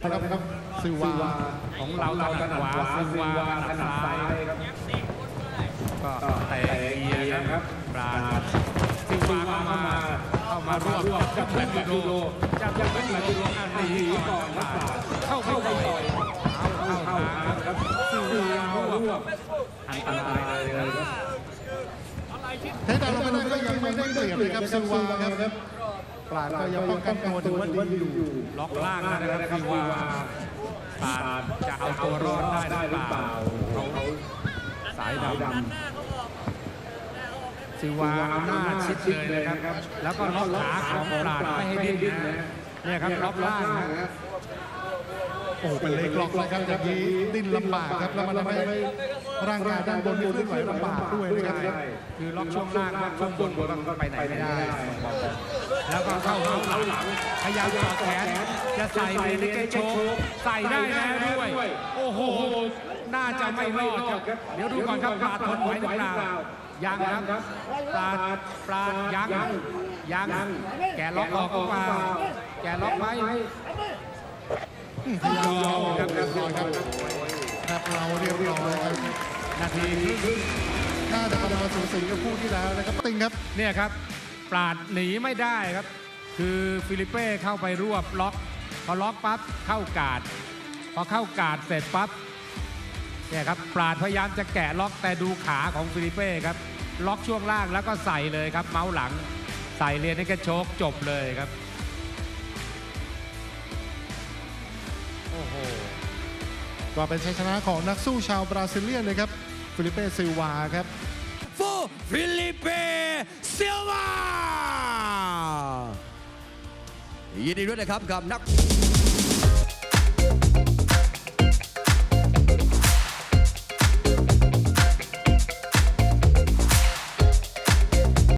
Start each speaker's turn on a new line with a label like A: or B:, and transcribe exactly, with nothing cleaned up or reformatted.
A: ครับซิลวา
B: ของเราถนัดขวาซิลวาถนัดซ้ายครับก็เตะเอียครับปราณซิลวาเข้ามาเข้ามารวบจับแหลมยูโรจับแหลมยูโรอันนี้ก่อนครับเข้าเข้าไปเข้าเข้าครับซิลวารวบอันตรายเลยครับ
A: เทดาลงไปได้ก็ยังไม่ได้เปรียบเลยครับซิลวาครับปราณก็ยังป้องกันตัวถือว่าดีอยู่
B: ล็อกล่างนะครับซิลวาปราณจะเอาตัวรอดได้หรือเปล่าเขาสายดำซิลวาหน้าชิดเลยนะครับ แล้วก็ล็อกขาของปราณไม่ให้ดิ้นนะเนี่ยครับล็อกล่างนะ
A: โอ้เป็นเล็กล็อกเลยครับอย่างนี้ดิ้นลำบากครับแล้วมันทำให้ร่างกายด้านบนนี่เคลื่อนไหวลำบากด้วยนะครับ
B: คือล็อกช่วงล่างล็อกช่วงบนก็ไปไหนไม่ได้แล้วก็เข้าเข้าหลังพยายามต่อแขนจะใส่เมนิเกโชกใส่ได้แล้วด้วยโอ้โหน่าจะไม่รอดครับเดี๋ยวดูก่อนครับปราณทนไหวหรือเปล่ายังครับปราณปราณยังยังแกล็อกออกหรือเปล่าแกล็อกไหม
A: ยอมครับเรียบร้อยครับครับเราเรียบร้อยครับ
B: นาทีครึ่ง
A: น่าจะประมาณสูสีกับคู่ที่แล้วนะครับติงครับ
B: เนี่ยครับปราณหนีไม่ได้ครับคือฟิลิเป้เข้าไปรวบล็อกพอล็อกปั๊บเข้ากาดพอเข้ากาดเสร็จปั๊บเนี่ยครับปราณพยายามจะแกะล็อกแต่ดูขาของฟิลิเป้ครับล็อกช่วงล่างแล้วก็ใส่เลยครับเมาส์หลังใส่เรียนให้กระโชกจบเลยครับโอ้โห
A: ก็เป็นชัยชนะของนักสู้ชาวบราซิเลียนเลยครับฟิลิเป้ซิลวาครับ
C: ฟูฟิลิเป้ซิลวายินดีด้วยนะครับกับนัก